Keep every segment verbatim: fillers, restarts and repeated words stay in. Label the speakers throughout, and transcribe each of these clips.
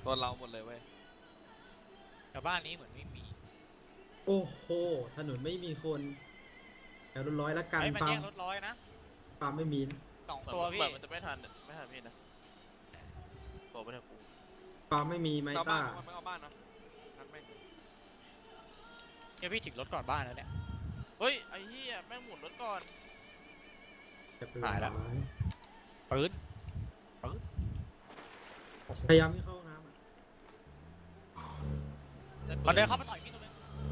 Speaker 1: ตัวเราหมดเลยเว้ย
Speaker 2: แต่บ้านนี้เหมือนไม่มี
Speaker 3: โอ้โหถนนไม่มีคนแถวรถร้อยละกัน
Speaker 2: ไอ้มัน
Speaker 3: ฟาร์ม
Speaker 2: แยกรถร้อยนะ
Speaker 3: ฟาร์มไม่มี
Speaker 2: สองตัวพี่
Speaker 4: มันจะไม่ทันไม่ทันพี่นะโตไม่ทันกู
Speaker 3: ฟาร์มไม่มีไม
Speaker 1: เอาบ้า
Speaker 3: ต้าน
Speaker 1: ไม่เอาบ้านนะงั้นแม่งเลย
Speaker 2: เดี๋ยวพี่ถึงรถก่อนบ้านแล้วเนี่ย
Speaker 4: เฮ้ยไอ้เหี้ยแม่งหมุนรถก่อน
Speaker 2: หายละ ปืนปืน
Speaker 3: พยายามให้เข้าห้องน้ำอะ
Speaker 2: มันเดินเข้ามาต่อยพี่ตัวนึง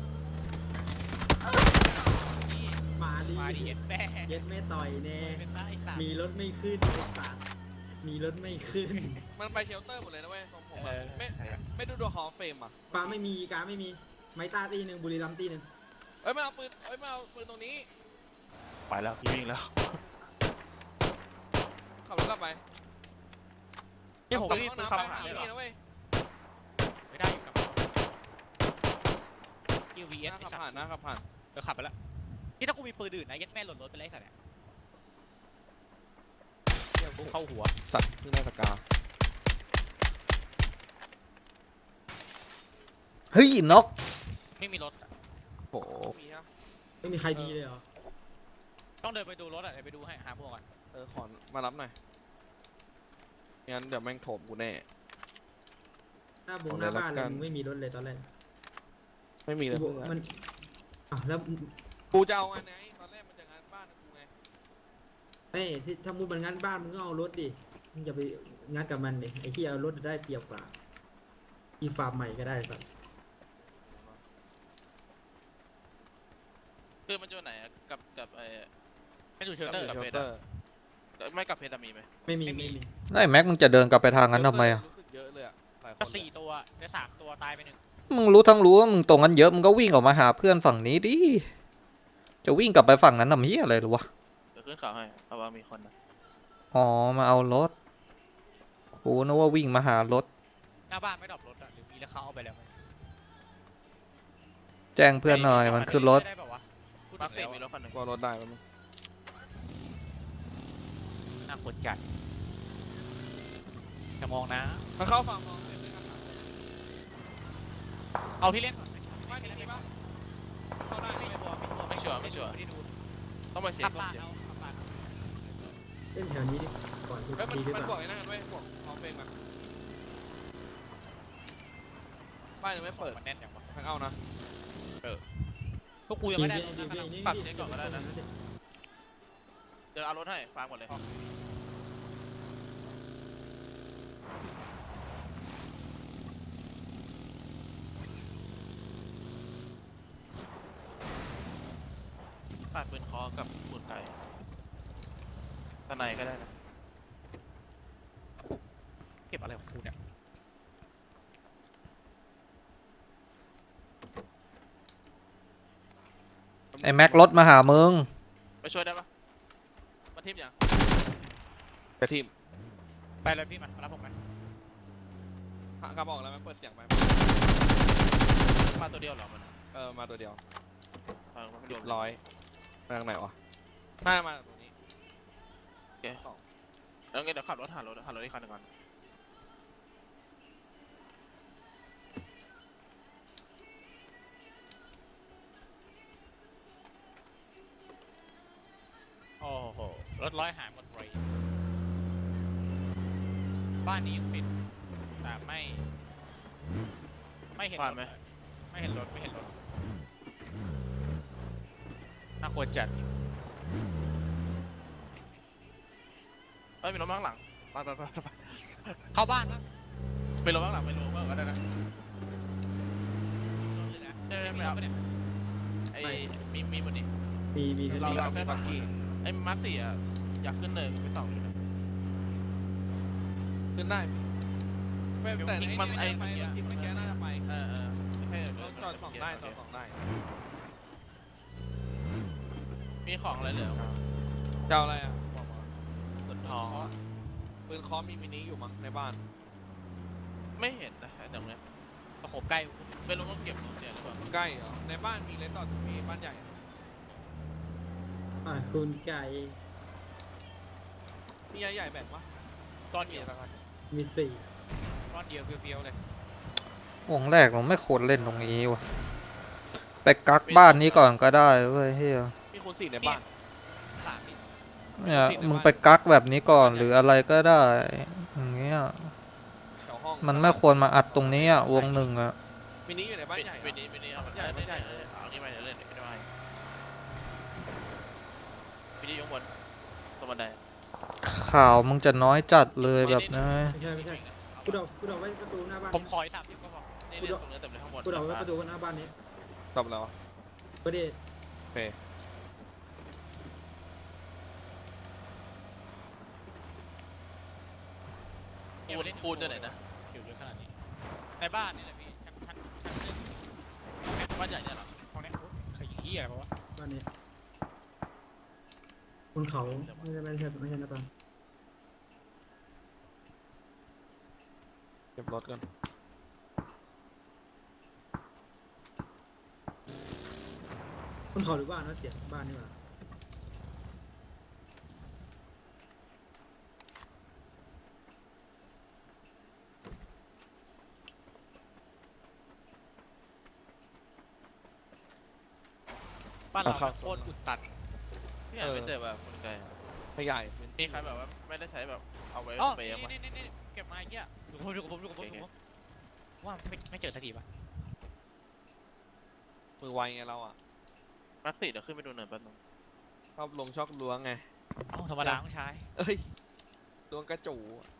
Speaker 2: นี่
Speaker 3: มาดิ
Speaker 2: มาดิเย็ดแม่
Speaker 3: เย็ดไม่ต่อยแน่
Speaker 2: เป็นตาไอ้สัตว์
Speaker 3: มีรถไม่ขึ้นไอ้สัตว์มีรถไม่ขึ้น
Speaker 1: มันไปเชลเตอร์หมดเลยนะเว้ยของผม
Speaker 2: เอ
Speaker 1: อะ
Speaker 2: อ
Speaker 1: ไม่ไม่ดูดูฮอลเฟมอ่ะ
Speaker 3: ฟาร์มไม่มีการไม่มีไมต้าตีหนึ่งบุรีรัมย์ตีหนึ่ง
Speaker 1: เอ้ยไม่เอาปืนเอ้ยไม่เอาปืนตรงนี้
Speaker 4: ไปแล้วพี่วิ่งแล้ว
Speaker 1: ขับรถกลับไป
Speaker 2: นี่ผม
Speaker 1: กลับ
Speaker 2: ไม่มี
Speaker 1: ห้อง
Speaker 2: ปืน
Speaker 1: น้ำ
Speaker 2: ขับ
Speaker 1: ไป
Speaker 2: หา
Speaker 1: หา
Speaker 2: เลย
Speaker 1: พี่นะเว้ย
Speaker 2: ไม่ได้อยู่กับคิววีเอส
Speaker 1: หน้า
Speaker 2: ไอ้
Speaker 1: ขับ
Speaker 2: สัต
Speaker 1: ผ่าน
Speaker 2: ว์
Speaker 1: หน้าขับผ่าน
Speaker 2: เออขับไปแล้วนี่ถ้ากูมีปืนอื่นนะเย็ดแม่หล่นรถไปเลยไอ้สัตว์เนี่ยเดี๋ยวกูเข้าหัว
Speaker 1: สัตว์เพิ่งได้สกา
Speaker 5: เฮ้ยนก
Speaker 2: ไม่มีรถอะ
Speaker 1: โอ้มีฮะ
Speaker 3: ไม่มีใครดีเลยเหรอ
Speaker 2: ต้องเดินไปดูรถอ่ะเดี๋ยวไปดูให้หาพวกก่อน
Speaker 1: เออขอมารับหน่อยงั้นเดี๋ยวแม่งโถมกูแน่
Speaker 3: หน้าบง
Speaker 1: เอา
Speaker 3: ห
Speaker 1: เลย
Speaker 3: น้าบ้านเล
Speaker 1: ละกั
Speaker 3: ย
Speaker 1: น
Speaker 3: มึงไม่มีรถเลยตอนแรก
Speaker 1: ไม่มีเลย
Speaker 3: กู
Speaker 1: เพื่
Speaker 3: บอก
Speaker 1: อน
Speaker 3: มันอ่ะแล้ว
Speaker 1: กูจะเอาอันไหนตอนแรกมันจะงานบ้านกูไง
Speaker 3: เฮ้ยที่ถ้ามึงมันงัดบ้านมึงก็เอารถดิมึงอย่าไปงัดกับมันดิไอ้ที่เอารถได้เปรียบกว่าอีฟาร์มใหม่ก็ได้สัตว์
Speaker 4: คือมันอยู่ไหนอะกับกับไอ้
Speaker 2: ไม่ดูเชลเตอร์
Speaker 4: กับ
Speaker 1: เชล
Speaker 4: เพชร
Speaker 1: เต
Speaker 4: อะ
Speaker 1: อร์
Speaker 4: ไม่กับเพชรอะมีไหม
Speaker 3: ไม่มี
Speaker 2: ไม่มี
Speaker 3: ไม่มี
Speaker 5: ไอ้แม็กมึงจะเดินกลับไปทางนั้นทำไมอ่ะ
Speaker 1: รู้สึกเยอะเลยอะหลายคน
Speaker 2: ก็
Speaker 1: เลย
Speaker 2: สี่ตัวได้สามตัวตายไปหนึ่ง
Speaker 5: มึงรู้ทั้งรู้ว่ามึงตรงนั้นเยอะมึงก็วิ่งออกมาหาเพื่อนฝั่งนี้ดิจะวิ่งกลับไปฝั่งนั้นทำเหี้ยอะไรหรอวะ
Speaker 4: เดี๋ยวขึ้นเขาให้เอาว่ามีคนนะ
Speaker 5: อ๋อมาเอารถกูนึกว่าวิ่งมาหารถ
Speaker 2: หน้าบ้านไม่ดรอปรถอ่ะหรือมีแล้วเขาเอาไปแล้วไหม
Speaker 5: แจ้งเพื่อนหน่อยมันขึ้นรถ
Speaker 2: ได้แบบว่าพูด
Speaker 4: มา
Speaker 2: ถึ
Speaker 4: ร์
Speaker 2: ง
Speaker 4: ค
Speaker 2: แล้ว
Speaker 4: สี่มีรถคันหนึ่ง
Speaker 1: กลัวรถได้ปะมึง
Speaker 2: น่าควรจัดจะมองนะ
Speaker 1: มาเข้าฝั่งมองเลยด้วยกัน
Speaker 2: เอาที่เล่นก่อนไหม
Speaker 1: บ้านนี้มีปะเข้าได้
Speaker 2: ไม่
Speaker 1: ไม่
Speaker 2: ชัวร์
Speaker 4: ไม่ชัวร์ไม่ชัวร์
Speaker 2: ไม่ได้ดู
Speaker 4: ต้องมาเช็ค
Speaker 2: ขับ
Speaker 4: ต้อง
Speaker 2: บ้าน
Speaker 4: เช็ค
Speaker 2: เอาขับบ้านเอา
Speaker 3: เล่นแถวนี้ดิก่อนที่
Speaker 1: เฮ้ยมัน
Speaker 3: ดีหรือ
Speaker 1: มัน
Speaker 3: เป
Speaker 1: บวก
Speaker 3: ล่า
Speaker 1: ไอ้นั่นกันเว้ยบวกฮอลเฟมกันบ้านยังไม่เปิด
Speaker 2: มันแน่นอย่างวะ
Speaker 1: ทางเอานะ
Speaker 2: พวกกูยังไม่ได้รถ
Speaker 3: ดี
Speaker 2: นะ
Speaker 3: ดีดี
Speaker 4: ปรับเช็คก่อนก็ได้นะเดี๋ยวเอารถให้ฟังหมดเลยปาดปืนคอกับปืนไก่ตะไนก็ได้นะ
Speaker 2: เก็บอะไรของกูเนี่ย
Speaker 5: ไอ้แม็กรถมาหามึง
Speaker 4: ไปช่วยได้ปะมาทิมยัง
Speaker 1: กระทิม
Speaker 2: ไปเลยพี่มามารับผมไหม
Speaker 1: กระบอกแล้วมันเปิดเสียงไป
Speaker 4: มาตัวเดียวเหรอมัน
Speaker 1: เออมาตัวเดียว
Speaker 4: เออมันไม่
Speaker 1: เรี
Speaker 4: โด
Speaker 1: ย
Speaker 4: น
Speaker 1: บร้อยมาทางไหนวะน่ามาตรงนี้
Speaker 4: โอเคแล้วงั้นเดี๋ยวขับรถหารถหารถอีกคันหนึ่งก่อน
Speaker 2: โอ้โหรถร้อยหายหมดเลยบ้านนี้ยังปิดแต่ไม่ไม่เห็นร
Speaker 4: ผ่าน
Speaker 2: ถ
Speaker 4: ไหม
Speaker 2: ไม่เห็นรถไม่เห็นรถน่าควรจัด
Speaker 4: เฮ้ยมีรถมาข้างหลังไปไปไปไป
Speaker 2: เข้าบ้านปะ
Speaker 4: ไปรถข้างหลังไปรถบ้างก็ได้นะ
Speaker 2: รถเลยนะ
Speaker 4: ใช่ไหม
Speaker 2: ไม่
Speaker 4: ไม่
Speaker 2: เอา
Speaker 4: เอา
Speaker 2: ไปเนี่ย
Speaker 4: ไอ้มีมีหมดดิ
Speaker 3: มีมี
Speaker 4: เราเราแค่ปักกี้ไอ้มาร์คสี่อ่ะอยากขึ้นเลยไม่ต้องอยู่นะ
Speaker 1: ขึ้นได้ไม่แต่
Speaker 4: มันไอ้
Speaker 1: ไปรถทิมเมื่อกี้น่าจะไป
Speaker 4: เออเออไม่ใช่
Speaker 1: รถจอดสองได้จอดสองได้
Speaker 4: มีของอะไรเหลือ
Speaker 1: จะเอาอะไรอ่ะบอกมา
Speaker 4: ปืนทอง
Speaker 1: ปืนคอมมีมินิอยู่มั้งในบ้าน
Speaker 4: ไม่เห็นนะไอ้ตรงเนี้ย
Speaker 2: ตะโขบใกล้
Speaker 4: ไม่รู้ต้องเก็บของเสียหรือเปล่า
Speaker 1: ใกล้เหรอในบ้านมีเลสตอดมีบ้านใหญ่อะ
Speaker 3: อ่ะคุณไก่
Speaker 1: มีใหญ่ใหญ่ๆแบ่งปะ
Speaker 2: ตอน
Speaker 1: มี
Speaker 2: เดียว
Speaker 1: สักคัน
Speaker 3: มีสี่
Speaker 1: อ
Speaker 2: ก้อนเดียวเพียวๆเลยว
Speaker 5: งแรกเราไม่ควรเล่นตรงนี้ว่ะไปกักบ้านนี้ก่อนก็ได้เว้ยเฮีย
Speaker 1: มีคูณสี่ในบ้าน
Speaker 2: สามนิด
Speaker 5: เนี่ยมึงไปกักแบบนี้ก่อนหรืออะไรก็ได้อย่างเงี้ย
Speaker 1: แถวห้อง
Speaker 5: มันไม่ควรมาอัดตรงนี้อ่ะวงหนึ่งอ่ะ
Speaker 1: มินิอยู่ในบ้านใหญ่
Speaker 4: วินี้วินี้เอามัน
Speaker 1: ใหญ่
Speaker 4: เล่น
Speaker 1: ใหญ่
Speaker 4: เล่นเอานี่ไปเดี๋ยวเล่นเดี๋ยวไม่ได้วินี้ยกบนตรงบันได
Speaker 5: ข่าวมึงจะน้อยจัดเลยแบบนี้
Speaker 3: ไม่ใช่ไม่ใช่กูดอกกูดอกไว้ประตูหน้าบ้าน
Speaker 2: ผมขออีกสามสิบก็พอ
Speaker 4: นี่นี่ตรงนี้เต็มเลยข้างบน
Speaker 3: กูดอกไว้ประตูหน้าบ้านนี้
Speaker 1: จบแล้วอะ
Speaker 3: ประเด็น
Speaker 1: โอเค
Speaker 4: ปูนปูนจะไหนนะ
Speaker 2: ผิวเยอะขนาดนี้ในบ้านนี่แหละพี่ชั้นชั้นชั้นหนึ่ง
Speaker 4: บ้านใหญ่เนี่ยเหรอ
Speaker 2: ห้องนี้โอ๊ยเคยยิงเหี้ยอะไรปะวะ
Speaker 3: บ้านนี้บนเขาไม่ใช่ไม่ใช่ไม่ใช่หน้าบ้าน
Speaker 1: เก็บรถกัน
Speaker 3: บนเขาหรือบ้านนะเสียงบ้านนี่หว่า
Speaker 2: บ้านเราโคตรอุดตัน
Speaker 4: พี่อ่านไม่เสร็จแบบคนไกล
Speaker 1: ขยายเป็น
Speaker 4: มีใครแบบว่าไม่ได้ใช้แบบเอาไว้
Speaker 2: อ๋อ
Speaker 4: สเปรย์มั้ย
Speaker 2: นี่นี่นี่เก็บมาไอ้เหี้ยอยู่กับผมอยู่กับผมอยู่กับผมอยู่กับผมว่าไม่ไม่เจอสักทีปะ
Speaker 1: มือไวไงเราอ่ะ
Speaker 4: มาร์คสี่เดี๋ยวขึ้นไปดูหน่อยแป๊บนึง
Speaker 1: ชอบลงชอบล้วงไง
Speaker 2: เอ้าธรรมดาต้องใช้
Speaker 1: เอ้ยล้วงกระจู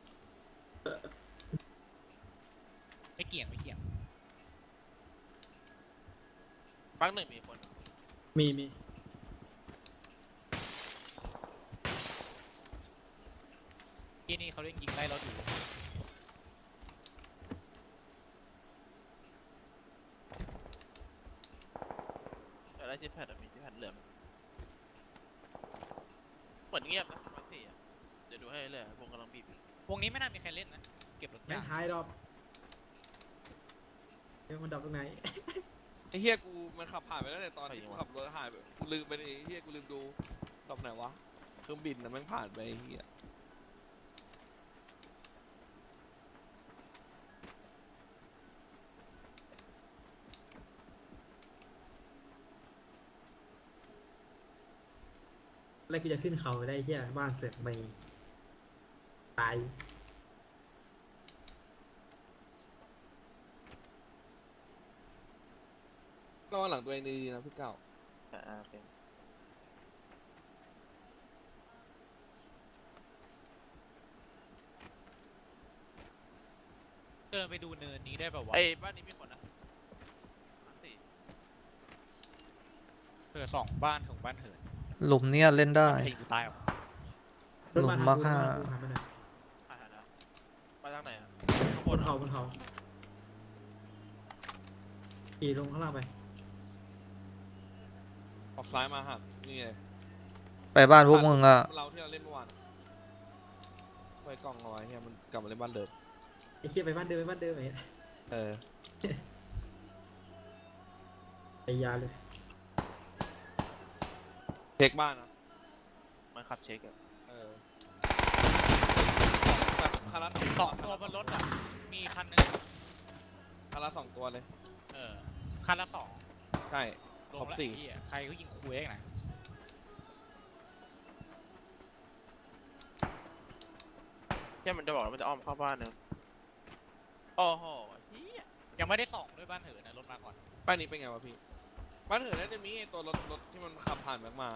Speaker 2: ไม่เกี่ยงไม่เกี่ยง
Speaker 4: ปักหนึ่งมีคน
Speaker 3: มีมี
Speaker 2: ที่นี่เขาเล่นยิงไล่เราอยู่
Speaker 4: แต่ได้ที่แพดมีที่แพดเหลือเหมือนเงียบนะมาร์คสี่อ่ะเดี๋ยวดูให้เลยวงกำลังบีบ
Speaker 2: วงนี้ไม่น่ามีใครเล่นนะเก็บรถ
Speaker 3: แม่
Speaker 2: ยาง ก
Speaker 3: ท้ายดอกเดี๋ยวมันดอกตรงไหน
Speaker 1: ไอ้เฮียกูมันขับผ่านไปแล้วแต่ตอนที่กูขับรถหายไปกูลืมไปเลยไอ้เฮียกูลืมดูดอกไหนวะเครื่องบินน่ะแม่งผ่านไปไอ้เฮีย
Speaker 3: แล้วกูจะขึ้นเขาไปได้เหี้ยบ้านเสร็จไม่ตาย
Speaker 1: ระวังหลังตัวเองดีๆนะพี่เก้า
Speaker 4: อ่าโอเค
Speaker 2: เดินไปดูเนินนี้ได้ป่าววะ
Speaker 4: ไอ้บ้านนี้มีคนนะมาร์คสี่
Speaker 2: เออสองบ้านของบ้านเหิน
Speaker 5: หลุมเนี้ยเล่นได้
Speaker 2: ไม่ใช่ยิงกูตายหรอก
Speaker 3: รถบ้าน
Speaker 5: หลุมมา
Speaker 3: ทาง
Speaker 5: ห้า
Speaker 3: กูรถบ้านทางกูหาไปหน่อย
Speaker 4: อ่านะมาทางไหนอ่ะข้าง
Speaker 3: บบ น
Speaker 4: น
Speaker 3: เขาบนเขาขี่ลงข้างล่างไป
Speaker 1: ออกซ้ายมาหักนี่เลย
Speaker 5: ไปบ้านพวกมึงอ่ะ
Speaker 1: เราที่เราเล่นเมื่อวานไว้กล้องเอาไว้เฮียมันกลับมาเล่นบ้านเดิม
Speaker 3: ไอ้เหี้ยไปบ้านเดิมไปบ้านเดิมไอ้
Speaker 1: เออ
Speaker 3: ไอ้ยาเลย
Speaker 1: เช็คบ้านนะ
Speaker 4: มันขับเช็คอะ
Speaker 1: เออแบบคารา
Speaker 2: สองตัวบนรถอ่ะมีคันหนึง
Speaker 1: คาราสองตัวเลย
Speaker 2: เออคันละสอง
Speaker 1: ใช่
Speaker 2: รว
Speaker 1: คร
Speaker 2: ม
Speaker 1: บ
Speaker 2: แล้ว
Speaker 1: สี่
Speaker 2: ไอ้เหี้ยใครก็ยิงคุยได้ไง
Speaker 4: แค่มันจะบอกว่ามันจะอ้อมเข้าบ้านนึงโอ้โหเฮีย
Speaker 2: ยังไม่ได้ส่องด้วยบ้านเหินนะรถมาก่อน
Speaker 1: ป้ายนี้เป็นไงวะพี่ บ้านเหินน่าจะมีไอ้ตัวรถรถที่มันขับผ่านแม็กมา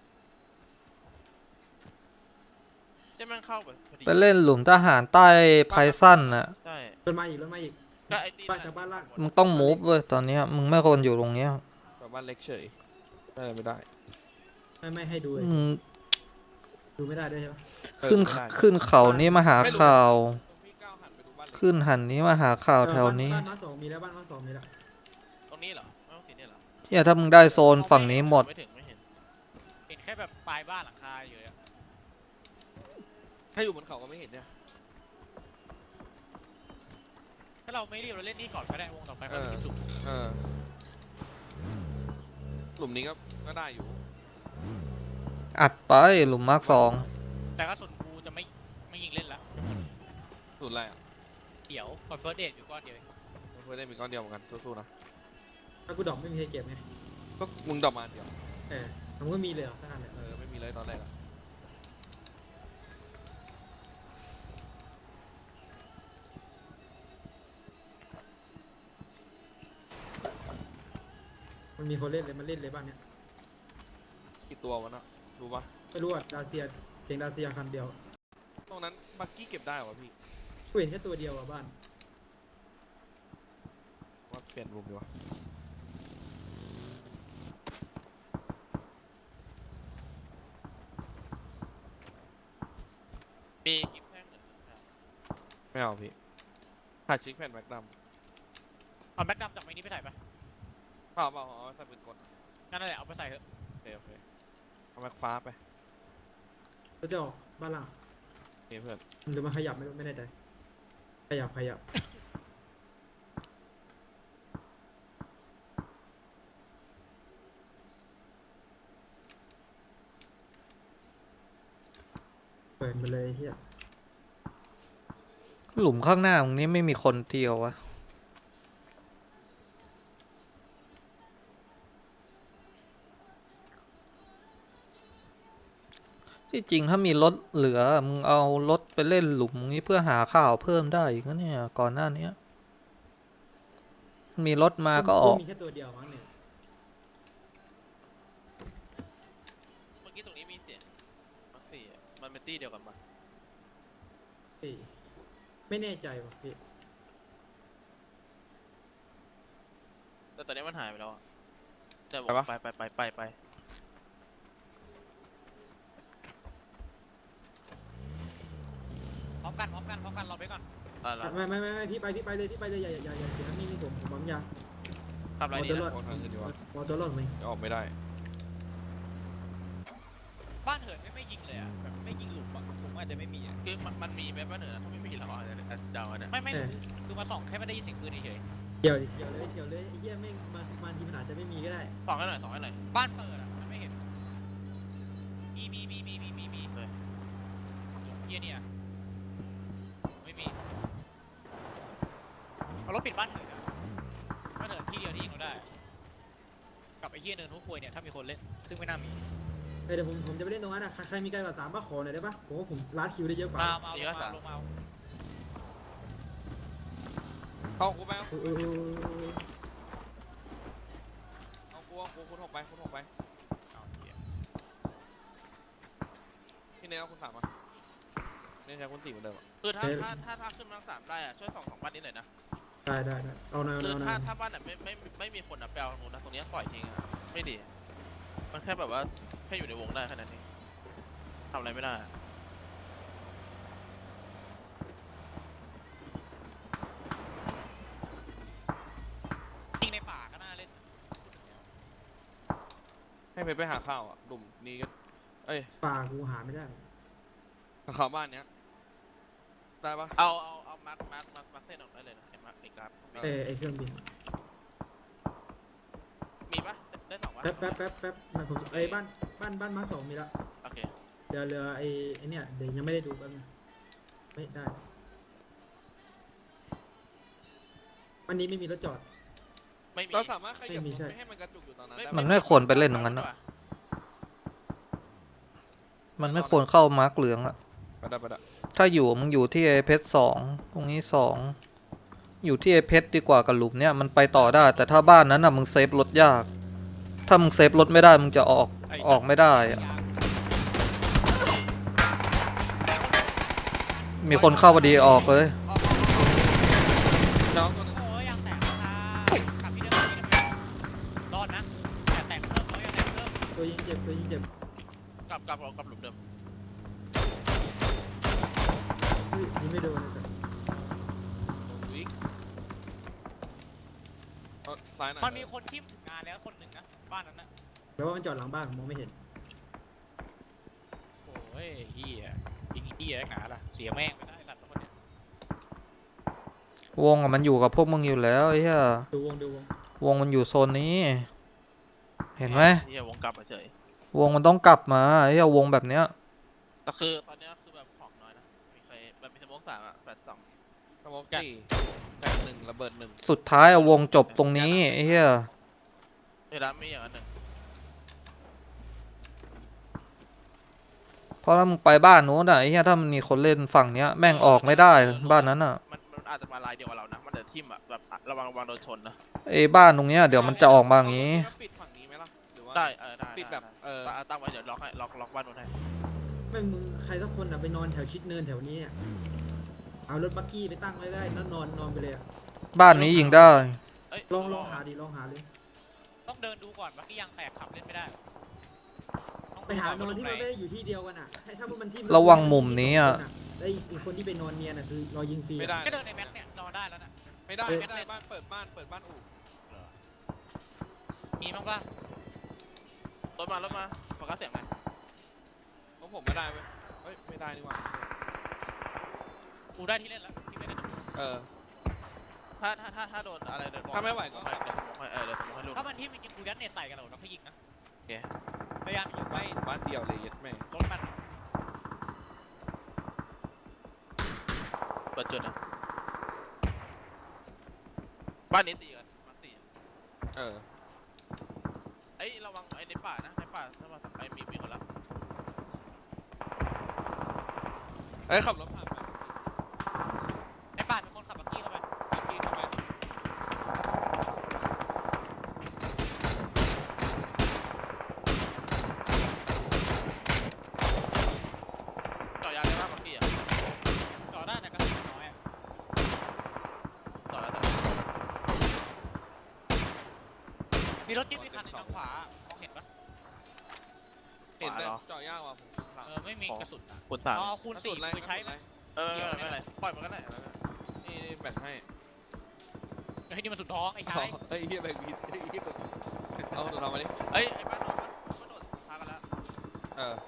Speaker 4: ใช่แม่งเข้าไปพอดี
Speaker 5: ไปเล่นหลุมทหารใต้ไพซันอ่ะ
Speaker 4: ใช่
Speaker 3: รถมาอีกรถมาอีก
Speaker 4: ก็ไอ้ตี
Speaker 3: บ้านจากบ้านล่าง
Speaker 5: มึงต้องมูฟเว้ยตอนเนี้ยมึงไม่ควรอยู่ตรงเนี้ย
Speaker 1: แบบบ้านเล็กเฉยได้เลยไม่ได้
Speaker 3: ไม่ไม่ให้ดูเลย
Speaker 5: มึง
Speaker 3: ดูไม่ได้ด้วยใช่ปะ
Speaker 1: เออ
Speaker 5: ขึ้น
Speaker 1: ไม่ได้
Speaker 5: ขึ้นเขานี้มาหาข่าว
Speaker 1: ตรงพี่ก้าวหันไปดูบ้านเล็ก
Speaker 5: ขึ้นหันนี้มาหาข่าวแถวนี้
Speaker 3: บ้านบ้านสองมีแล้วบ้านบ้านสองมีแล้ว
Speaker 4: ตรงนี้เหรอไม่ต้องสีเนี่ยเหรอ
Speaker 5: เนี่ยถ้ามึงได้โซนฝั่งนี้หมด
Speaker 4: ไม่ถึงไม่เห็น
Speaker 2: เห็นแค่แบบปลายบ้านหลังคาอยู่อะ
Speaker 1: ถ้าอยู่บนเขาก็ไม่เห็นเนี่ย
Speaker 2: ถ้าเราไม่รีบเราเล่นนี่ก่อนก็ได้วงต่อไปก็มีที่สุด
Speaker 1: เออ หลุมนี้ก็ก็ได้อยู่
Speaker 5: อัดไปหลุมมาร์คสอง
Speaker 2: แต่ก็ส่วนกูจะไม่ไม่ยิงเล่นละ
Speaker 1: สุดแรก
Speaker 2: เดี๋ยวคอนเฟิร์สเดทอยู่ก้อนเดียวเอง
Speaker 1: เพื่อนได้มีก้อนเดียวเหมือนกันสู้ๆนะ
Speaker 3: ถ้ากูดรอปไม่มีใครเก็บไง
Speaker 1: ก็มึงดอกมาอันเดียว
Speaker 3: เออมันก็มีเลยเหรอทั้งนั้นเลย
Speaker 1: เออไม่มีเลยตอนแรกอะ
Speaker 3: มันมีคนเล่นเลยมันเล่นเลยบ้านเนี้ย
Speaker 1: กี่ตัววะนะรู้ปะ
Speaker 3: ไม่รู้อ่ะดาเซียเสียงดาเซียคันเดียว
Speaker 1: ตรงนั้นบักกี้เก็บได้เหรอวะพี่
Speaker 3: กูเห็นแค่ตัวเดียวอ่ะบ้าน
Speaker 1: ว่าเปลี่ยนมุมดีวะ
Speaker 4: มีกิฟแท่งหนึ่งครับ
Speaker 1: ไม่เอาพี่ขาดชิคแผ่นแม็กดัม
Speaker 2: เอาแบ็กดำจากไม้นี้ไปใส่ปะ
Speaker 1: เปล่าเปล่าเอาใส่ปืนกลอะ
Speaker 2: งั้นนั่นแหละเอาไปใส่เถอะ
Speaker 1: โอเคโอเคเอาแม็กฟ้าไป
Speaker 3: ก็จะออกบ้านล่าง
Speaker 1: โอเคเพื่อน
Speaker 3: หรือมันขยับไม่รู้ไม่แน่ใจขยับขยับเปิดมาเลยเฮีย
Speaker 5: หลุมข้างหน้าตรงนี้ไม่มีคนเที่ยววะที่จริงถ้ามีรถเหลือมึงเอารถไปเล่นหลุมนี้เพื่อหาข้าวเพิ่มได้อีกนะเนี่ยก่อนหน้านี้มีรถมาก็ออก
Speaker 3: มีแค่ตัวเดียวมั้งเนี่ย
Speaker 4: เมื่อกี้ตรงนี้มีเสียงมักสี่อะมันเป็นตี้เดียวกันปะ
Speaker 3: เฮ้ยไม่แน่ใจว่ะพี่
Speaker 4: แต่ตอนนี้มันหายไปแล้วอะแต่บอกไปไปไปไปไป
Speaker 2: พร้อมกันพร้อมกันพร้อมกันรอไปก่อน
Speaker 4: อ่ะแล้ว
Speaker 3: ไม่ไม่ไม่ไม่พี่ไปพี่ไปเลยพี่ไปเลยอย่าอย่าอย่าเสียนี่นี่ผมผมปั๊มยา
Speaker 4: ทำอะไรดี
Speaker 3: เอาตัวรอ
Speaker 4: นะ
Speaker 3: ด
Speaker 1: โคตรทางขึ้นดีวะ
Speaker 3: มอตัวรอดไหม
Speaker 1: จะออกไม่ได้
Speaker 2: บ้านเหินไม่ไม่ยิงเลยอ่ะแบบไม่ยิงหลุมอ่ะผมอาจจะไม่มีอ่ะ
Speaker 4: คือมันมันมีไหมบ้านเหนือถ้าไม่มีเราอาจจะเดาอะนะ
Speaker 2: ไม่ไม่รู้คือมาส่องแค่ไม่ได้ยินเสียงปืนเฉย
Speaker 3: เฉียวดิเฉียวเลยเฉียวเลยไอ้เหี้ยไม่มันมันทีมันอาจจะไม่มีก็ได้
Speaker 4: สองให้หน่อยสองให้หน่อย
Speaker 2: ๆบ้านเปิดอ่ะมันไม่เห็นมีมีมีมีมีมีมี
Speaker 4: เลย
Speaker 2: เฮียเนี่ยไม่มีเอารถปิดบ้านเหินอ่ะบ้านเหินที่เดียวที่ยิงเราได้อะกับไอ้เฮียเนินทุกควยเนี่ยถ้ามีคนเล่นซึ่งไม่น่ามี
Speaker 3: เออเดี๋ยวผมผมจะไปเล่นตรงนั้นอ่ะใครใครมีไกลกว่าสามป้าขอหน่อยได้ปะผมว่าผมลัดคิวได้เยอะกว่า
Speaker 2: มามาเอาลงมาเอาลงมาเอา
Speaker 1: เข้ากูไป
Speaker 3: เออเออเออเออ
Speaker 1: เอากูเอากูคุณหกไปคุณหกไป
Speaker 2: เอาเหี้ย
Speaker 1: พี่เนยเอาคุณสามมาเนี่ยใช้คุณสี่เหมือนเดิมอะ
Speaker 4: คือถ้าถ้าถ้าถ้าขึ้นมาสามได้อะช่วยสองสองบ้านนี้หน่อยนะ
Speaker 3: ได้ได้ได้เอาหน่อยเอาห
Speaker 4: คื
Speaker 3: น่
Speaker 4: อ
Speaker 3: อยเอาหน่
Speaker 4: ถ้า
Speaker 3: อย
Speaker 4: ถ้าบ้านไหนไม่ไม่ไม่มีคนอะไปเอาตรงนู้นนะตรงนี้ปล่อยทิ้งอะไม่ดี มันแค่แบบว่าแค่อยู่ในวงได้แค่นั้นเองทำอะไรไม่ได้อะ
Speaker 2: ยิงในป่าก็น่าเล่นพูดถึงแล้ว
Speaker 1: ให้เพชรไปหาข้าวอ่ะดุ่มนี้ก็เอ้ย
Speaker 3: ป่ากูหาไม่ได้
Speaker 1: ข้าวบ้านเนี้ยได้ปะ
Speaker 4: เอาเอาเอามาร์คมาร์คมาร์คมาร์คเส้นออกได้เลยนะไอ้มาร์คไอ้กราฟ
Speaker 3: เออไอเครื่องบิน
Speaker 4: มีปะได้ได้สองวะ
Speaker 3: แป๊บแป๊บแป๊บแป๊บมันผมไอ้บ้านบ้านบ้านมาสองมีละ
Speaker 4: โอเค
Speaker 3: เดี๋ยวเรือไอ้ไอ้เนี่ยเดี๋ยวยังไม่ได้ดูแป๊บนึงไม่ได้วันนี้ไม่มีรถจอด
Speaker 4: ไม่มี
Speaker 1: เราสามารถขยับ
Speaker 3: ไม่มี
Speaker 1: รถ
Speaker 3: ใช่
Speaker 1: ไม่ให้มันกระจุกอยู่ตอนนั้น
Speaker 4: ไม่
Speaker 1: ได้
Speaker 5: มัน
Speaker 1: ปะ
Speaker 5: ไม่ควรไปเล่นตรงนั้นนะ มันไม่ควรเข้ามาร์กเหลืองอะ
Speaker 1: ไปได้ไปได้
Speaker 5: ถ้าอยู่มึงอยู่ที่ไอเพชรสองตรงนี้สองอยู่ที่ไอเพชรดีกว่ากับหลุมเนี่ยมันไปต่อได้ แต่ถ้าบ้านนั้นอะมึงเซฟรถยาก ถ้ามึงเซฟรถไม่ได้มึงจะออกออกไม่ได้อะมีคนเข้าพอดีออกเลย
Speaker 1: น้องตัวนึง
Speaker 2: โอ้ยยางแตกค่ะกลับที่เดิมที่เดิมรอดนะอย่าแตกเพิ่มเขาอย่าแตกเพิ่ม
Speaker 3: ตัวยิงเจ็บตัวยิงเจ็บ
Speaker 4: กลับกลับกลับหลุมเดิม
Speaker 3: เฮ้ยยิงไม่โดนเลยสัส
Speaker 1: วิกเอาซ้ายหน่อย
Speaker 2: มันมีคนที่ถึงงานแล้วคนหนึ่งนะบ้านนั้นนะ
Speaker 3: แปลว่ามันจอดหลังบ้านผมมองไม่เห็น
Speaker 2: โอ้ยเฮียยิงเฮียหนาล่ะเสียแม่งไปได้สัตว์ทั้งหมดเนี่ยว
Speaker 5: งอะมันอยู่กับพวกมึงอยู่แล้วไอ้เหี้ย
Speaker 3: ดูวงดูวง
Speaker 5: วงมันอยู่โซนนี้ เห็นไหม
Speaker 4: เฮียวงกลับมาเฉยว
Speaker 5: งมันต้องกลับมาไอ้เหี้ยวงแบบเนี้ย
Speaker 4: แต่คือตอนเนี้ยคือแบบของน้อยนะมีใครแบบมีสโมองสามอะแปดสอง
Speaker 1: เอมองสี่แฟนหนึ่งระเบิดหนึ่ง
Speaker 5: สุดท้ายเอาวงจบตรงนี้ไอ้เหี้ย
Speaker 4: ในร้านมีอย่างนั้นหนึ่ง
Speaker 5: เพราะถ้ามึงไปบ้านโน้นอ่ะไอ้เหี้ยถ้ามันมีคนเล่นฝั่งเนี้ยแม่งออกไม่ได้บ้านนั้นอ่ะ
Speaker 4: มันมันอาจจะมาลายเดียวกับเรานะมันเดือดทิ่มอะแบบระวังระวังโดนชนนะ
Speaker 5: ไอ้บ้านตรงเนี้ยเดี๋ยวมันจะออกมาอย่างงี้
Speaker 1: เปิดฝั่งนี้ไหมล่ะหรือว่า
Speaker 4: ได้เออได้
Speaker 1: ปิดแบบเออ
Speaker 4: ตั้งไว้เดี๋ยวล็อกให้ล็อกล็อกบ้านนู้นให้
Speaker 3: แม่งมึงใครสักคนอ่ะไปนอนแถวชิดเนินแถวนี้อะเอารถบักกี้ไปตั้งไว้ได้นอนนอนนอนไปเลยอะ
Speaker 5: บ้านนี้ยิงได้
Speaker 4: เอ้ย
Speaker 3: ลองลองหาดิลองหาเลย
Speaker 2: ต้องเดินดูก่อนว่าที่ยางแตกขับเล่นไม่ได้ต้อง
Speaker 3: ไปหานอนที่มัน
Speaker 2: ดู
Speaker 3: ไม่ได้อยู่ที่เดียวกันอ่ะให้ถ้ามันที่
Speaker 5: ระวังมุมนี้อะ
Speaker 3: แล้วอีกคนที่ไปนอนเนียนอ่ะคือรอยิงฟรีอะ
Speaker 1: ไม่ได้
Speaker 2: ก็เดินในแม็กเนี่ยนอนได้แล้วนะ
Speaker 1: ไม่ได้
Speaker 3: เออ
Speaker 1: ไม่ได้บ้านเปิดบ้านเปิดบ้านอู่
Speaker 2: มีบ้างปะ
Speaker 4: รถมารถมาโฟกัสเสียงไหม
Speaker 1: เพราะผมไม่ได้เว้ยเอ้ยไม่ได้นี่หว่า
Speaker 2: กูได้ที่เล่นแล้วที่ไม่ได้
Speaker 1: เออ
Speaker 4: ถ้าถ้าถ้าถ้าโดนอะไรเดิน
Speaker 1: ถ้าไม่ไหวก็
Speaker 4: ให้เดี๋ยวผมให้เออเดี๋ยวผมให้ลูก
Speaker 2: ถ้ามันที่มันยิงกูยัดเน็ตใส่กันเหรอเราค่อยยิงนะ
Speaker 4: โอเค
Speaker 2: พยายามอยู่ไว้
Speaker 1: บ้านเดียวเลยเย็ดแม่
Speaker 2: รถมัน
Speaker 4: เปิดจุดนะบ้านนี้ตีกันบ้านตี
Speaker 1: เออ
Speaker 4: เอ้ยระวังไอ้ในป่านะในป่าถ้ามาไอ้มีมีคนละ
Speaker 1: เอ้ยขับรถผ่านไป
Speaker 2: ไอ้ป่านเป็นคนขับบักกี้เข้าไป
Speaker 1: พี่เข้าไป
Speaker 4: เจาะยางได้ป่ะเมื่อกี้อ่ะ
Speaker 2: ต่อได้แต่กระสุนน้อยอะ
Speaker 4: เจาะแล้วแต่
Speaker 2: มีรถจิ๊บอีกคันหนึงทางขวามองเห็นปะ
Speaker 1: เห็นแต่เจาะยากว่ะผมสาม
Speaker 2: เออไม่มีกระสุนอะ
Speaker 4: คูณสาม
Speaker 2: อ๋อคูณสี่
Speaker 1: อะไร
Speaker 2: คือใช้ไหม
Speaker 4: เออไม่เป็นไรปล่อยมันก็ได้
Speaker 1: นี่แบ่งให้
Speaker 2: ไอ้นี่มันสุดท้องไอ้ชาย
Speaker 1: เฮ้ยเฮียแบ่งผิดเฮ้ยเฮียเอาตัวเรามาดิ
Speaker 4: เอ้ยไอ้บ้านโดนบ้านโดนพากันแล้ว
Speaker 1: เออ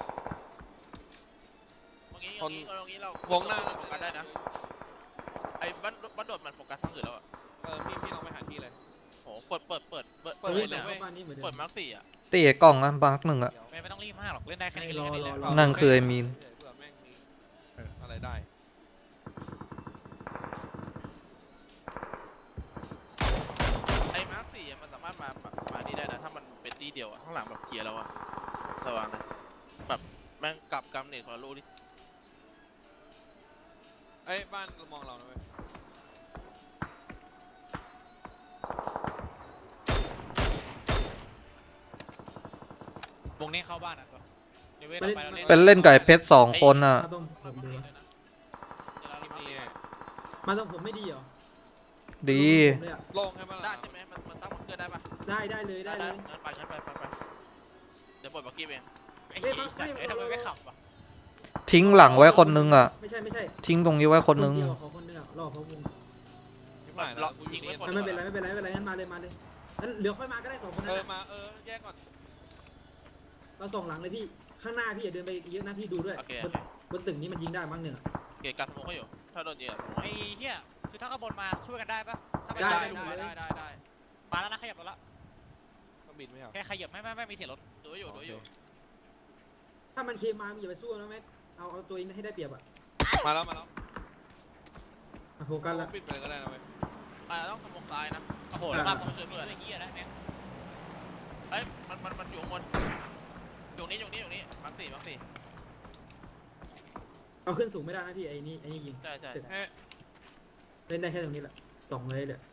Speaker 4: ตรงนี้
Speaker 1: ค
Speaker 4: ตร
Speaker 1: น
Speaker 4: งนี้ตรงนี้เรา
Speaker 1: วงหน้า
Speaker 4: โฟกัสได้นะไอ้บ้านบ้านโดดมันโฟกัสทั้งอื่นแล้วอ่ะ
Speaker 1: เออพี่พี่ลองไปหาที่เลย
Speaker 4: โหเปิดเปิดเปิดเปิด
Speaker 1: เปิด
Speaker 3: เฮ้ย
Speaker 1: เลย
Speaker 3: แต่
Speaker 1: เว้ย
Speaker 3: เข้าบ้านนี้เหมือนเดิ
Speaker 4: เปิด
Speaker 3: ม
Speaker 4: มาร์คสี่อ่ะ
Speaker 5: ตีไอ้กล้องอ่ะบาร์กหนึ่งอ่ะ
Speaker 2: ไม่ไม่ต้องรีบมากหรอกเล่นได้แค่นี้ก็
Speaker 3: รอ
Speaker 2: เล่นได้
Speaker 3: รอ
Speaker 2: เลย
Speaker 3: รอ
Speaker 5: นั่นคือไอ้มีน
Speaker 1: เผื่อแม่งมีอะไรได้
Speaker 4: ไอ้มาร์คสี่มันสามารถมามามานี่ได้นะถ้ามันเป็นที่เดียวอ่ะข้างหลังแบบเคลียร์แล้วอ่ะระวังนะแบบแม่งกลับกำเนิดของลูกดิ
Speaker 1: เอ้ยบ้านมองเรานะเว้ยว
Speaker 2: งนี้เข้าบ้านอ่ะตัวเดี๋ยวเว้ย
Speaker 3: ไป
Speaker 2: ต่อ
Speaker 3: เล่น
Speaker 2: ไปเราเล่น
Speaker 5: เป็นเล่นกับไอ้เพชรสองคนอ่ะ
Speaker 3: มาต้องผมดูวะ
Speaker 4: เดี๋ยวเรา
Speaker 1: ทีม
Speaker 4: มา
Speaker 1: นี้
Speaker 3: มาต้องผมไม่ดีเหรอ
Speaker 5: ดี
Speaker 3: ผมเลยอะ
Speaker 1: โล่งให้มัน
Speaker 4: ได้
Speaker 1: ล่ะ
Speaker 4: ใช่ไหมมันมันตั้งบังเกอร์ได้ปะ
Speaker 3: ได้ได้เลยได้เลย
Speaker 4: งั้นไปงั้นไปไปไปเดี๋ยวปลดบักกี้เอง
Speaker 2: ไอ้เหี้ยสัตว์ไอ้ทำไมไม่ขับวะ
Speaker 5: ทิ้งหลังไว้คนนึงอ่ะ
Speaker 3: ไม่ใช่ไม่ใช่
Speaker 5: ทิ้งตรงนี้ไว้คนนึง
Speaker 3: เดียวขอคนนึงอะรอเขาวง
Speaker 1: ไม่ไหวแล้วกูยิงเล่น
Speaker 3: ไม่เป็นไรไม่เป็นไรไม่เป็นไรงั้นมาเลยมาเลยงั้นเหลือค่อยมาก็ได้สองคน
Speaker 1: เอ
Speaker 3: นั้น
Speaker 1: อ
Speaker 3: อะ
Speaker 1: มาเออแยกก่อน
Speaker 3: เราส่องหลังเลยพี่ข้างหน้าพี่อย่าเดินไปเยอะนะพี่ดูด้วย
Speaker 4: โอเค
Speaker 3: บนบนตึกนี้มันยิงได้มั้งหนึ่งอะ
Speaker 4: โอเคการสโมกเขาอยู่ ถ้าโดนยิงอะ
Speaker 2: ไอ้เหี้ยคือถ้าข้างบนมาช่วยกันได้ปะถ้าไม่
Speaker 3: ได้
Speaker 2: ได้
Speaker 3: ได้
Speaker 2: ดู
Speaker 4: ได้ได้ได้
Speaker 2: มาแล้วนะขยับแล้วละ
Speaker 1: ต้องบินไม่เหรอ
Speaker 2: แค่ขยับไม่ไม่ไม่มีเสียงรถ
Speaker 4: ดูอยู่ดูอยู่
Speaker 3: ถ้ามันเคมามึงอย่าไปสู้นะแม็กเอาเอาตัวเองให้ได้เปรียบอะ
Speaker 1: มาแล้วมาแล้ว
Speaker 3: อ่ะโฟกัสละ
Speaker 1: ปิดไปเลยก็ได้นะเว้ย
Speaker 4: อ่าต้องสโมกซ้ายนะ
Speaker 2: โอ้โหแล้วมาผมช่วยเพื่อนไอ้เหี้ยนะแม่ง
Speaker 4: เอ้ยมันมันมันอยู่ข้างบนอยู่นี่อยู่นี่อยู่นี่มักสี่มักสี่
Speaker 3: เอาขึ้นสูงไม่ได้นะพี่ไอ้นี่ไอ้นี่ยิง
Speaker 4: ใช่ใช่
Speaker 1: เอ๊ะ
Speaker 3: เล่นได้แค่ตรงนี้แหละสองเลยเดี๋ยว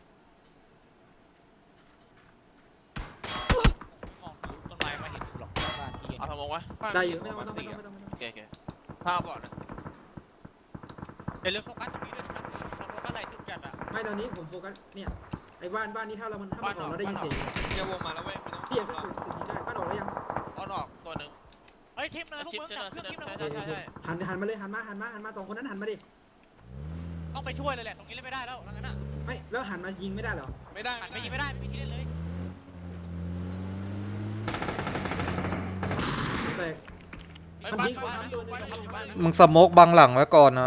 Speaker 2: ไม่มองทะลุต้นไม้มาเห็นกูหรอกบ้านที่เห็น
Speaker 4: เอาสโมกไว้
Speaker 3: ได้อยู่ไม่ต้องไม่ต้องไม่ต้องไม่ต้องไม่ต้อง
Speaker 4: โอเคโอเคถ้าบอดนะ
Speaker 2: เดี๋ยวเรื่องโฟกัสตรงนี้ด้วยนะครับโฟกัสอะไรจุดจัดอะ
Speaker 3: ไม่ตอนนี้ผมโฟกัสเนี่ยไอ้บ้านบ้านนี้ถ้าเรามันถ้ามันออกเราได้ยินเสียง
Speaker 1: เฮียวงมาแล้วเว้ยไม่ต้อง
Speaker 3: พี่อย่าขึ้นสูงตึกนี้ได้บ้านออกแล้วยัง
Speaker 4: ออนออกตัวหนึ่ง
Speaker 2: เฮ้ยทิปเลยพวก
Speaker 4: ชิป
Speaker 2: มึง
Speaker 4: ใช่
Speaker 2: ดับเครื่องทิปเลย
Speaker 4: ใช่ใช่ใช่
Speaker 3: หันหันมาเลยหันมาหันมาหันมาสองคนนั้นหันมาดิ
Speaker 2: ต้องไปช่วยเลยแหละตรงนี้เล่นไม่ได้แล้วงั้นน่ะ
Speaker 3: ไม่แล้วหันมายิงไม่ได้เหรอ
Speaker 1: ไม่ได้
Speaker 2: หันไปยิงไม่ได้ไม่มีที่เล่นเลย
Speaker 3: แต่
Speaker 4: ไอ้
Speaker 3: มัน
Speaker 4: บ้าน
Speaker 3: ยิง
Speaker 4: บ้าน
Speaker 3: คนทำโดน
Speaker 4: บ้านอยู่บ้าน
Speaker 5: มึงสโมกบังหลังไว้ก่อนนะ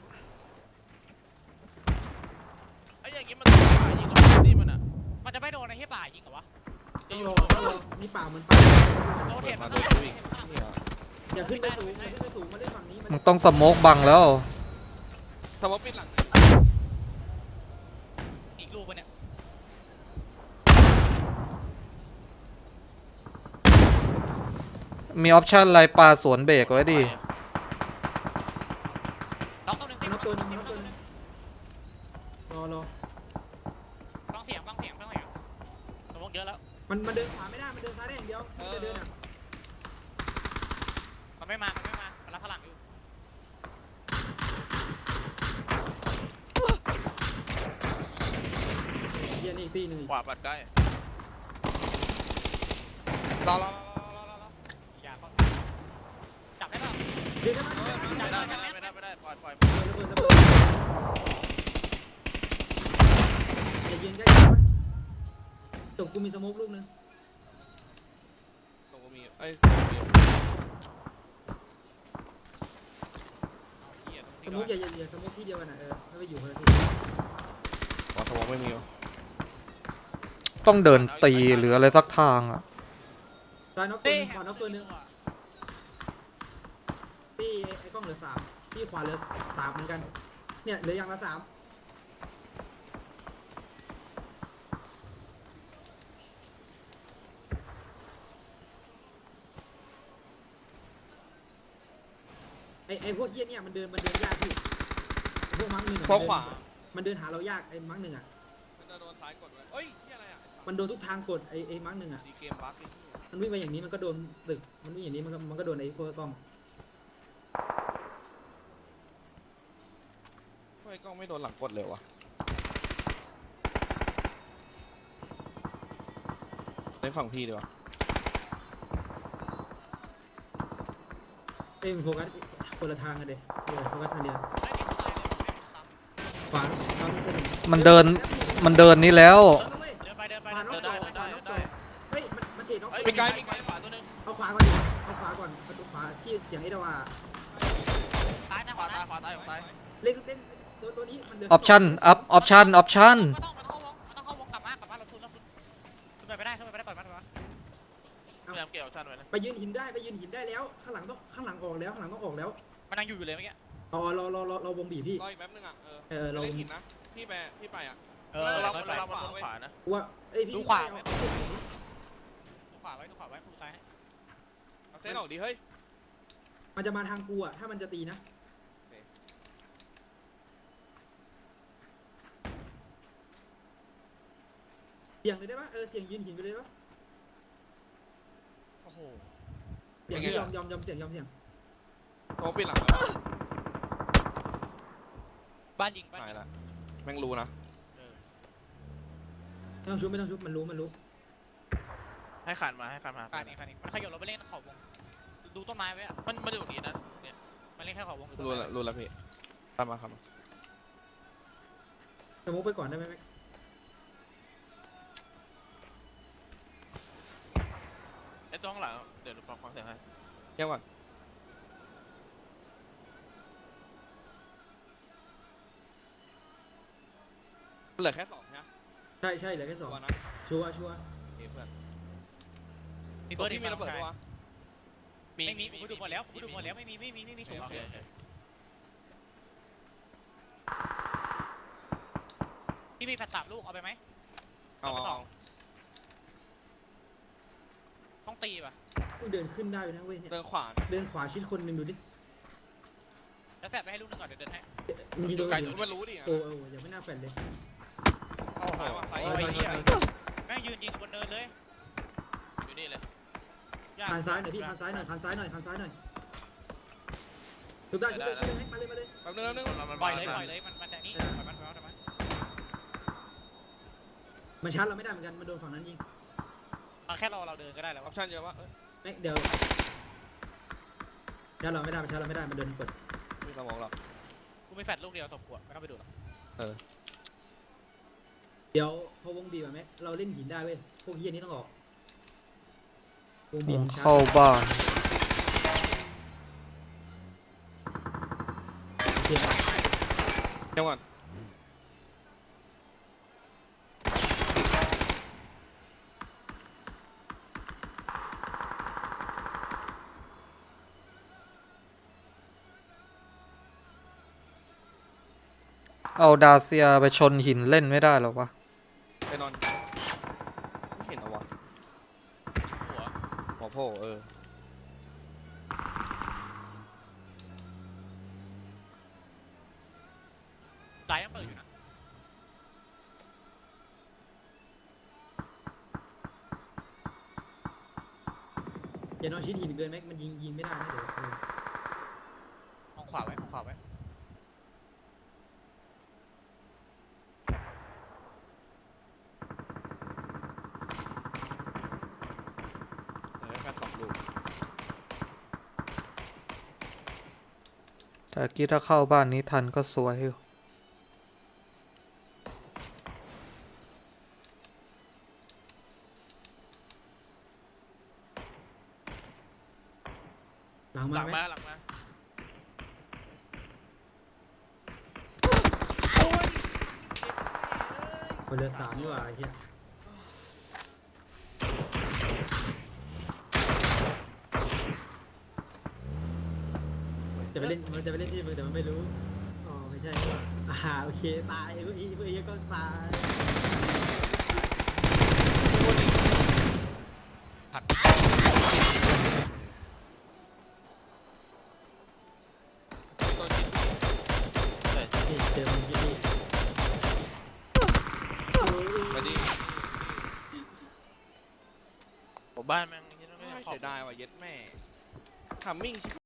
Speaker 4: ไอ้อย่างงี้มันต้องยิงกับนี่มันอ่ะ
Speaker 2: มันจะไม่โดนไอ้เหี้ยป่ายิงเหรอวะ
Speaker 3: ต้องรอต้องรอนี่ป่ามันป่า
Speaker 2: โดนเห็น
Speaker 1: มา
Speaker 2: มัน
Speaker 1: โด
Speaker 2: ก็
Speaker 1: น
Speaker 2: ยิ
Speaker 1: วิ่
Speaker 2: ง
Speaker 1: งเนี่ย
Speaker 3: อย่าขึ้นไปสูงอย่าขึ้นไปสูงมาเล่นฝั่งนี้มัน
Speaker 5: มึงต้องสโมกบังแล้ว
Speaker 1: สมมติปิดหลังนะ
Speaker 2: ปะเนี่ย
Speaker 5: มีออปชั่นอะไรปลาสวนเบรกไว้ดิ
Speaker 2: น้องตัวหนึ่ง
Speaker 3: มันน็อกตัวหนึงมันน็อกตัวหนึงรอรอ
Speaker 2: ฟังเสียงฟังเสียงฟังเสียงสมองเยอะแล้ว
Speaker 3: มันมันเดินขวาไม่ได้มันเดินซ้ายได้อย่างเดียวมันจะเดินอ่ะ
Speaker 2: มันไม่มา มันไม่มา มันรับพลังอยู่
Speaker 3: เฮียนี่อีกตีหนึ่งอีก
Speaker 4: ขวาปัดใกล้
Speaker 2: รอรอรอรอรอรออย่าเขาจับได้ป่ะ
Speaker 3: เดินได้ไหมเดิน
Speaker 4: ไม่
Speaker 3: ได้
Speaker 4: ได้
Speaker 3: ไหม
Speaker 4: ไม่ได้ไม่ได้ไม่ได้ปล่อยปล่อย
Speaker 3: ระเบิดระเบิดอย่ายืนใกล้กันวะตกกูมีสโมกลูกนึง
Speaker 1: ตรงกูมีเอ้ย
Speaker 2: เอาเหี้ยตรง
Speaker 3: ส
Speaker 2: ที่
Speaker 3: โม
Speaker 2: ร้อก ย
Speaker 3: อย่าอย่าอย่าสโมกที่เดียวกันอ่ะเออให้ไปอยู่คนละที่
Speaker 1: ขอสมองไม่มีวะ
Speaker 5: ต้องเดินตีหรืออะไรสักทางอ่ะ
Speaker 3: ตายน็อกตัวหนึงขวาน็อกตัวหนึงที่ไอ้ไอ้กล้องเหลือสามที่ขวาเหลือสามเหมือนกันเนี่ยเหลืออย่างละสามไอ้ไอ้พวกเฮี้ยเนี่ยมันเดินมันเดินยากพี่ไอ้พวกมังหนึ่งอะ
Speaker 1: พวกขวา
Speaker 3: มันเดินหาเรายากไอ้มังหนึ่งอ่ะ
Speaker 1: มันจะโดนซ้ายกดไว้เอ้ยที่อะไรอ่ะ
Speaker 3: มันโดนทุกทางกดไอ้ไอ้มังหนึ่งอ่ะ
Speaker 1: ดีเกมบั๊กไอ้เหี้ย
Speaker 3: มันวิ่งไปอย่างนี้มันก็โดนตึกมันวิ่งอย่างนี้มันก็มันก็โดนไอ้พวกกล้อง
Speaker 1: ทำไมกล้องไม่โดนหลังกดเลยวะในฝั่งพี่ดีกว่า
Speaker 3: เอ้ยมันโฟกัสคนละทางกันเด็เดี๋ยวโฟกัสทางเดียว
Speaker 2: ไม่มีตายเลยไม่มีซ้ำ
Speaker 3: ขวาขวาคนหนึ่ง
Speaker 5: มันเดิน มันเดินนี้แล้ว
Speaker 3: เออเว้ย
Speaker 2: เดินไปเดินไป
Speaker 3: ขวา
Speaker 2: เดิ
Speaker 3: น็อน ก
Speaker 2: ไป
Speaker 3: สองขวาน็อกสองเฮ้ยมันมันเทน็อก
Speaker 4: เฮ้ย
Speaker 1: มีไกล
Speaker 4: มีไกลขวาตัวหนึง
Speaker 3: เอาขวาก่อนดิเอาขวาก่อนประตูขวาที่เสียงไอ้ดาวา
Speaker 2: ตายนะ
Speaker 4: ข
Speaker 2: ข
Speaker 4: วาว
Speaker 2: า
Speaker 4: ตาย
Speaker 2: ตาย
Speaker 4: ขวาตายขวาตาย
Speaker 3: เล่นเล่นตัวตัวนี้มันเดิน
Speaker 5: ออปชั่น อัพ ออปชั่น ออปชั่น
Speaker 2: มันต้องมันต้องเข้าวงมันต้องเข้าวงกลับมากลับมาเราทุนเราทุนขึ้นไปไม่ได้ขึ้นไปไม่ได้ปล่อยมันปล่อยมัน
Speaker 4: พยายามเกี่ยวชั่นไว้นะ
Speaker 3: ไปยืนหินได้ไปยืนหินได้แล้วข้างหลังต้องข้างหลังออกแล้วข้างหลังต้องออกแล้ว
Speaker 2: มันยังอยู่อยู่เลยเมื่อกี้
Speaker 3: อ๋อรอรอรอรอวงบีบพี่
Speaker 1: รออีกแป๊บนึงอ่ะ เออ
Speaker 3: เออเรา
Speaker 1: เล่นหินนะ พี่ไปพี่ไปอ่ะ
Speaker 2: เอ
Speaker 4: เอ
Speaker 2: อ
Speaker 4: อเรา
Speaker 2: เรา
Speaker 4: เรา
Speaker 2: เรา
Speaker 4: เรามันลงขวานะ
Speaker 3: ว่าเอ้ยพี่
Speaker 2: ดูขวา
Speaker 3: เอา
Speaker 2: ไว้
Speaker 3: เอาเอา
Speaker 2: ดูขวาไว้ดูขวาไว้ดูซ้ายให้
Speaker 1: เอาเส้นออกดิเฮ้ย
Speaker 3: มันจะมาทางกูอ่ะถ้ามันจะตีนะเสียงเลยได้ปะเออเสียงยืนหินไปเลยได้ปะ
Speaker 2: โอ้โห
Speaker 3: เสียง
Speaker 1: เป็นไง
Speaker 3: ยอ
Speaker 1: ล่ะ
Speaker 3: มยอมยอมเสียงยอมเสียง
Speaker 1: โทรปิดหลังแล้ว
Speaker 2: บ้านยิงบ้าน
Speaker 1: หาย
Speaker 2: ยิง
Speaker 1: ละแม่งรู้นะ
Speaker 2: เออ
Speaker 3: ไม่ต้องชุบไม่ต้องชุบมันรู้มันรู้
Speaker 4: ให้ขันมาให้ขันมา
Speaker 2: การนี้การนี้มันขยับเราไปเล่นขอบวงดูต้นไม้ไว้อะ
Speaker 4: มันมันอยู่ตรงนี้นะเนี่ย
Speaker 2: มันเล่นแค่ขอบวง
Speaker 1: รู้ละรู้ละพี่ตามมาครับ
Speaker 3: สมุกไปก่อนได้ไหมแม็ก
Speaker 4: ไอ้ตัวข้างหลังเดี๋ยวดูฟังฟังเสียงให้
Speaker 1: เงียบก่อนเหลือแค่สองใช่ไหม
Speaker 3: ใช่ใช่เหลือแค่สอง
Speaker 1: ตัวนะ
Speaker 3: ชัวร์ชัวร์
Speaker 1: โอเคเพื่อน
Speaker 2: มี
Speaker 1: ตั
Speaker 2: เบิ
Speaker 1: ว
Speaker 2: ร์ด
Speaker 1: ที่มีระเบิดปะวะ
Speaker 2: ไม่มีกูดูหมดแล้วกูดูหมดแล้วไม่มีไม่มีไม่มีสูง
Speaker 4: โอเคโอเค
Speaker 2: พี่มีแผ่นสามลูกเอาไปไหม
Speaker 1: เอาเอาเอา
Speaker 2: ต้องตีป่ะ
Speaker 3: กูเดินขึ้นได้อยู่นะเว้ยเนี่ย
Speaker 1: เดินขวา
Speaker 3: เดินขวาชิดคนหนึ่งดูดิ
Speaker 2: แล้วแฟดไปให้ลูกนึงก่อนเดี๋ยวเดินให้
Speaker 3: มึงยิงโดน
Speaker 1: ไกล
Speaker 3: เดี๋ยว
Speaker 1: มันรู้ดิอ่ะ
Speaker 3: โอ้โหยังไม่น่าแฟนเลย
Speaker 2: โอ้โห
Speaker 1: ซ้ายว่ะซ้าย
Speaker 2: โอ้
Speaker 1: อี
Speaker 2: ย
Speaker 1: ก
Speaker 2: เหี้ยแม่งยืนยิงบนเนินเลย
Speaker 4: อยู่นี่เลย
Speaker 2: ยาก
Speaker 3: คันซ้ายหน่อยพี่คันซ้ายหน่อยคันซ้ายหน่อยคันซ้ายหน่อยชุบได้ชุบได้ชุบได้มาเลยมาเลย
Speaker 1: แป๊บนึงแป๊บนึง
Speaker 4: มันมัน
Speaker 2: ปล่อยเลย
Speaker 4: มา
Speaker 2: ปล่อยเลยมันมันแต่นี่ปล่อยมันปล่อยมันปล่อยมัน
Speaker 3: มันชาร์จเราไม่ได้เหมือนกันมันโดนฝั่งนั้นยิง
Speaker 2: เอาแค่เราเราเดินก็ได้แล้ว
Speaker 1: ออปชั่นเยอะวะเอ้ย
Speaker 3: แม็กเดี๋ยวชาร์จเราไม่ได้มันชาร์จเราไม่ได้มันโดนกด
Speaker 1: มีสมองหรอก
Speaker 2: กูไม่แฟดลูกเดียวสมควรไม่ต้องไปดูหรอก
Speaker 3: เดี๋ยวพอวงบีบอะแม็กเราเล่นหินได้เว้ยพวกเฮียนี้ต้องออกวงบีบมันชาร์
Speaker 5: เข้า
Speaker 3: จ
Speaker 5: บ้าน
Speaker 3: โอเค
Speaker 1: เงียบก่อน
Speaker 5: เอาดาเซียไปชนหินเล่นไม่ได้หรอวะ
Speaker 1: ไปนอนไม่เห็นเหรอวะ
Speaker 2: หัว
Speaker 1: หัวโผล่เออ
Speaker 2: ซ้ายยังเปิดอยู่นะ
Speaker 3: อย่านอนชิดหินเกินไหมมันยิงยิงไม่ได้นะเดี๋ยวเออ
Speaker 2: มองขวาไว้มองขวาไว้
Speaker 1: เออแค่สองลูก
Speaker 5: แต่กี้ถ้าเข้าบ้านนี้ทันก็สวยอยู่
Speaker 3: หลัง
Speaker 4: ห
Speaker 3: มา
Speaker 4: ลัง
Speaker 3: ไหม
Speaker 4: มาหลังมา
Speaker 3: คนเหลือสามดีกว่าไอ้เหี้ยจะไปเล่นมันจะไปเล่นที่มึงแต่มันไม่รู้อ๋อไม่ใช่ว่าอ่าโอเคตายพวกอีพวกอีก็ตาย
Speaker 2: ผัด
Speaker 1: ตอนกิน
Speaker 3: นี่เจอมึงที่นี่
Speaker 1: มาดิ
Speaker 4: ผมบ้านแม่งที่นั่นไม่
Speaker 1: ไม่
Speaker 4: ได้ขอบ
Speaker 1: เสียดายว่ะเย็ดแม่ทำมิ่งชิบ